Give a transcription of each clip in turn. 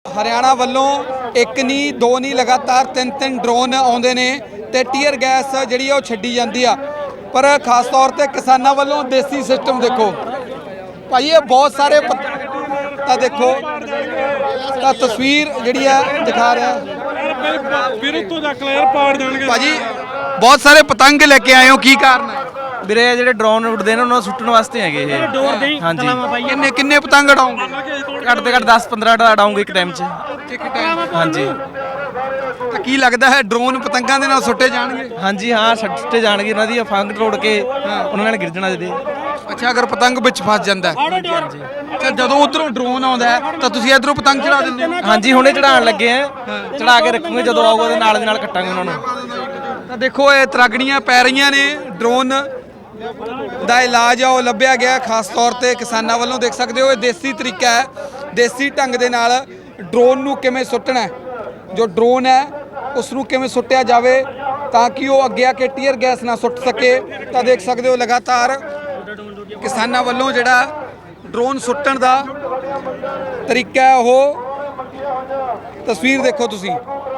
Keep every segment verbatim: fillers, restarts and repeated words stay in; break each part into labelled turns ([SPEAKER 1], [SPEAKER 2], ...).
[SPEAKER 1] हरियाणा वालों एक नहीं दो नहीं लगातार तीन तीन ड्रोन आउंदे ने ते टीयर गैस जिहड़ी आ छड्डी जांदी आ, पर खास तौर ते किसानां वालों देसी सिस्टम देखो भाई, ये बहुत सारे पता देखो ਤਾਂ तस्वीर जिहड़ी आ दिखा रहा भाजी, बहुत सारे पतंग लेके आए हो, की कारण है
[SPEAKER 2] ਵੀਰੇ ਜਿਹੜੇ ਡਰੋਨ ਉੱਡਦੇ ਨੇ ਉਹਨਾਂ ਨੂੰ ਸੁੱਟਣ ਵਾਸਤੇ ਹੈਗੇ ਇਹ। ਹਾਂਜੀ
[SPEAKER 1] ਕਿੰਨੇ ਕਿੰਨੇ ਪਤੰਗ ਉਡਾਉਂਗੇ?
[SPEAKER 2] ਘੱਟ ਤੋਂ ਘੱਟ ਦਸ ਪੰਦਰਾਂ ਉਡਾਉਂਗੇ ਇੱਕ ਟਾਈਮ 'ਚ।
[SPEAKER 1] ਇੱਕ ਟਾਈਮ
[SPEAKER 2] ਹਾਂਜੀ
[SPEAKER 1] ਤਾਂ ਕੀ ਲੱਗਦਾ ਹੈ ਡਰੋਨ ਪਤੰਗਾਂ ਦੇ ਨਾਲ ਸੁੱਟੇ ਜਾਣਗੇ?
[SPEAKER 2] ਹਾਂਜੀ ਹਾਂ, ਸੁੱਟੇ ਜਾਣਗੇ, ਉਹਨਾਂ ਦੀ ਫੰਗ ਤੋੜ ਕੇ ਉਹਨਾਂ ਨਾਲ ਗਿਰ ਜਾਣਾ ਜਦੇ।
[SPEAKER 1] ਅੱਛਾ, ਅਗਰ ਪਤੰਗ ਵਿੱਚ ਫਸ ਜਾਂਦਾ ਹੈ
[SPEAKER 2] ਹਾਂਜੀ
[SPEAKER 1] ਤਾਂ ਜਦੋਂ ਉਧਰੋਂ ਡਰੋਨ ਆਉਂਦਾ ਹੈ ਤਾਂ ਤੁਸੀਂ ਇਧਰੋਂ ਪਤੰਗ ਚੜਾ ਦਿੰਦੇ ਹੋ?
[SPEAKER 2] ਹਾਂਜੀ ਹੁਣੇ ਚੜਾਉਣ ਲੱਗੇ ਆ, ਚੜਾ ਕੇ ਰੱਖੂਗੇ, ਜਦੋਂ ਆਊਗਾ ਉਹਦੇ ਨਾਲ ਦੇ ਨਾਲ ਕੱਟਾਂਗੇ ਉਹਨਾਂ ਨੂੰ।
[SPEAKER 1] ਤਾਂ ਦੇਖੋ ਇਹ ਤਰਾਗੜੀਆਂ ਪੈ ਰਹੀਆਂ ਨੇ, ਡਰੋਨ ਦਾ ਇਲਾਜ ਆ ਉਹ ਲੱਭਿਆ ਗਿਆ ਖਾਸ ਤੌਰ ਤੇ ਕਿਸਾਨਾਂ ਵੱਲੋਂ। ਦੇਖ ਸਕਦੇ ਹੋ ਇਹ ਦੇਸੀ ਤਰੀਕਾ ਹੈ, ਦੇਸੀ ਢੰਗ ਦੇ ਨਾਲ ਡਰੋਨ ਨੂੰ ਕਿਵੇਂ ਸੁੱਟਣਾ ਹੈ, ਜੋ ਡਰੋਨ ਹੈ ਉਸ ਨੂੰ ਕਿਵੇਂ ਸੁੱਟਿਆ ਜਾਵੇ ਤਾਂ ਕਿ ਉਹ ਅੱਗੇ ਆ ਕੇ ਟੀਅਰ ਗੈਸ ਨਾ ਸੁੱਟ ਸਕੇ। ਤਾਂ ਦੇਖ ਸਕਦੇ ਹੋ ਲਗਾਤਾਰ ਕਿਸਾਨਾਂ ਵੱਲੋਂ ਜਿਹੜਾ ਡਰੋਨ ਸੁੱਟਣ ਦਾ ਤਰੀਕਾ ਹੈ ਉਹ ਤਸਵੀਰ ਦੇਖੋ ਤੁਸੀਂ।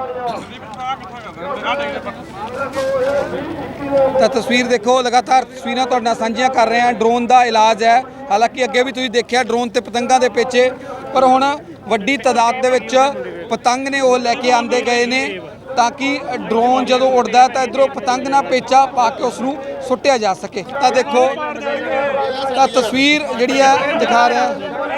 [SPEAKER 1] ਤਾਂ ਤਸਵੀਰ ਦੇਖੋ, ਲਗਾਤਾਰ ਤਸਵੀਰਾਂ ਤੁਹਾਡੇ ਨਾਲ ਸਾਂਝੀਆਂ ਕਰ ਰਹੇ ਹਾਂ। ਡਰੋਨ ਦਾ ਇਲਾਜ ਹੈ, ਹਾਲਾਂਕਿ ਅੱਗੇ ਵੀ ਤੁਸੀਂ ਦੇਖਿਆ ਡਰੋਨ ਤੇ ਪਤੰਗਾਂ ਦੇ ਪਿੱਛੇ, ਪਰ ਹੁਣ ਵੱਡੀ ਤਾਦਾਦ ਦੇ ਵਿੱਚ ਪਤੰਗ ਨੇ ਉਹ ਲੈ ਕੇ ਆਂਦੇ ਗਏ ਨੇ ਤਾਂ ਕਿ ਡਰੋਨ ਜਦੋਂ ਉੱਡਦਾ ਤਾਂ ਇਧਰੋਂ ਪਤੰਗ ਨਾਲ ਪੇਚਾ ਪਾ ਕੇ ਉਸ ਨੂੰ ਸੁੱਟਿਆ ਜਾ ਸਕੇ। ਤਾਂ ਦੇਖੋ ਤਾਂ ਤਸਵੀਰ ਜਿਹੜੀ ਆ ਦਿਖਾ ਰਿਹਾ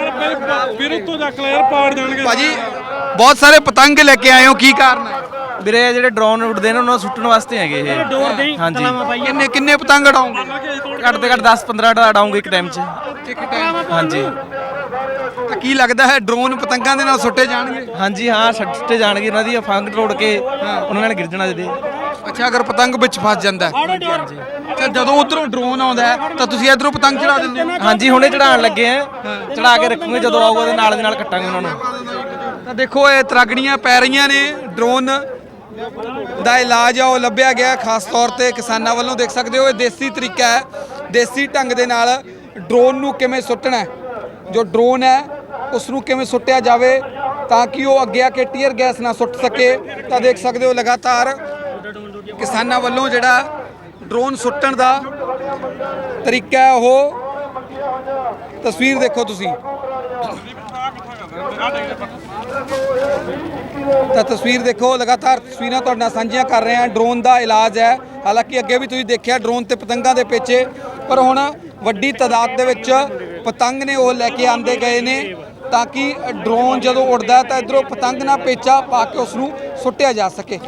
[SPEAKER 1] ਭਾਜੀ, ਬਹੁਤ ਸਾਰੇ ਪਤੰਗ ਲੈ ਕੇ ਆਏ ਹੋ, ਕੀ ਕਾਰਨ ਹੈ?
[SPEAKER 2] ਵੀਰੇ ਜਿਹੜੇ ਡਰੋਨ ਉੱਡਦੇ ਨੇ ਉਹਨਾਂ ਨੂੰ ਸੁੱਟਣ ਵਾਸਤੇ ਹੈਗੇ ਇਹ। ਹਾਂਜੀ
[SPEAKER 1] ਕਿੰਨੇ ਕਿੰਨੇ ਪਤੰਗ ਉਡਾਉਂਗੇ?
[SPEAKER 2] ਘੱਟ ਤੋਂ ਘੱਟ ਦਸ ਪੰਦਰਾਂ ਉਡਾਉਂਗੇ ਇੱਕ ਟਾਈਮ 'ਚ।
[SPEAKER 1] ਇੱਕ ਟਾਈਮ
[SPEAKER 2] ਹਾਂਜੀ
[SPEAKER 1] ਤਾਂ ਕੀ ਲੱਗਦਾ ਹੈ ਡਰੋਨ ਪਤੰਗਾਂ ਦੇ ਨਾਲ ਸੁੱਟੇ ਜਾਣਗੇ?
[SPEAKER 2] ਹਾਂਜੀ ਹਾਂ, ਸੁੱਟੇ ਜਾਣਗੇ, ਉਹਨਾਂ ਦੀ ਫੰਗ ਤੋੜ ਕੇ ਉਹਨਾਂ ਨਾਲ ਗਿਰ ਜਾਣਾ ਜਦੇ।
[SPEAKER 1] ਅੱਛਾ, ਅਗਰ ਪਤੰਗ ਵਿੱਚ ਫਸ ਜਾਂਦਾ ਹੈ
[SPEAKER 2] ਹਾਂਜੀ
[SPEAKER 1] ਤਾਂ ਜਦੋਂ ਉਧਰੋਂ ਡਰੋਨ ਆਉਂਦਾ ਹੈ ਤਾਂ ਤੁਸੀਂ ਇਧਰੋਂ ਪਤੰਗ ਚੜਾ ਦਿੰਦੇ ਹੋ?
[SPEAKER 2] ਹਾਂਜੀ ਹੁਣੇ ਚੜਾਉਣ ਲੱਗੇ ਆ, ਚੜਾ ਕੇ ਰੱਖੂਗੇ, ਜਦੋਂ ਆਊਗਾ ਉਹਦੇ ਨਾਲ ਦੇ ਨਾਲ ਕੱਟਾਂਗੇ ਉਹਨਾਂ ਨੂੰ।
[SPEAKER 1] ਤਾਂ ਦੇਖੋ ਇਹ ਤਰਾਗੜੀਆਂ ਪੈ ਰਹੀਆਂ ਨੇ, ਡਰੋਨ ਦਾ ਇਲਾਜ ਆ ਉਹ ਲੱਭਿਆ ਗਿਆ ਖਾਸ ਤੌਰ ਤੇ ਕਿਸਾਨਾਂ ਵੱਲੋਂ। ਦੇਖ ਸਕਦੇ ਹੋ ਇਹ ਦੇਸੀ ਤਰੀਕਾ ਹੈ, ਦੇਸੀ ਢੰਗ ਦੇ ਨਾਲ ਡਰੋਨ ਨੂੰ ਕਿਵੇਂ ਸੁੱਟਣਾ ਹੈ, ਜੋ ਡਰੋਨ ਹੈ ਉਸ ਨੂੰ ਕਿਵੇਂ ਸੁੱਟਿਆ ਜਾਵੇ ਤਾਂ ਕਿ ਉਹ ਅੱਗੇ ਆ ਕੇ ਟੀਅਰ ਗੈਸ ਨਾ ਸੁੱਟ ਸਕੇ। ਤਾਂ ਦੇਖ ਸਕਦੇ ਹੋ ਲਗਾਤਾਰ ਕਿਸਾਨਾਂ ਵੱਲੋਂ ਜਿਹੜਾ ਡਰੋਨ ਸੁੱਟਣ ਦਾ ਤਰੀਕਾ ਹੈ ਉਹ ਤਸਵੀਰ ਦੇਖੋ ਤੁਸੀਂ। ਤਾਂ ਤਸਵੀਰ ਦੇਖੋ, ਲਗਾਤਾਰ ਤਸਵੀਰਾਂ ਤੁਹਾਡੇ ਨਾਲ ਸਾਂਝੀਆਂ ਕਰ ਰਹੇ ਹਾਂ। ਡਰੋਨ ਦਾ ਇਲਾਜ ਹੈ, ਹਾਲਾਂਕਿ ਅੱਗੇ ਵੀ ਤੁਸੀਂ ਦੇਖਿਆ ਡਰੋਨ ਤੇ ਪਤੰਗਾਂ ਦੇ ਪਿੱਛੇ, ਪਰ ਹੁਣ ਵੱਡੀ ਤਾਦਾਦ ਦੇ ਵਿੱਚ ਪਤੰਗ ਨੇ ਉਹ ਲੈ ਕੇ ਆਂਦੇ ਗਏ ਨੇ ਤਾਂ ਕਿ ਡਰੋਨ ਜਦੋਂ ਉੱਡਦਾ ਤਾਂ ਇਧਰੋਂ ਪਤੰਗ ਨਾਲ ਪੇਚਾ ਪਾ ਕੇ ਉਸ ਨੂੰ ਸੁੱਟਿਆ ਜਾ ਸਕੇ।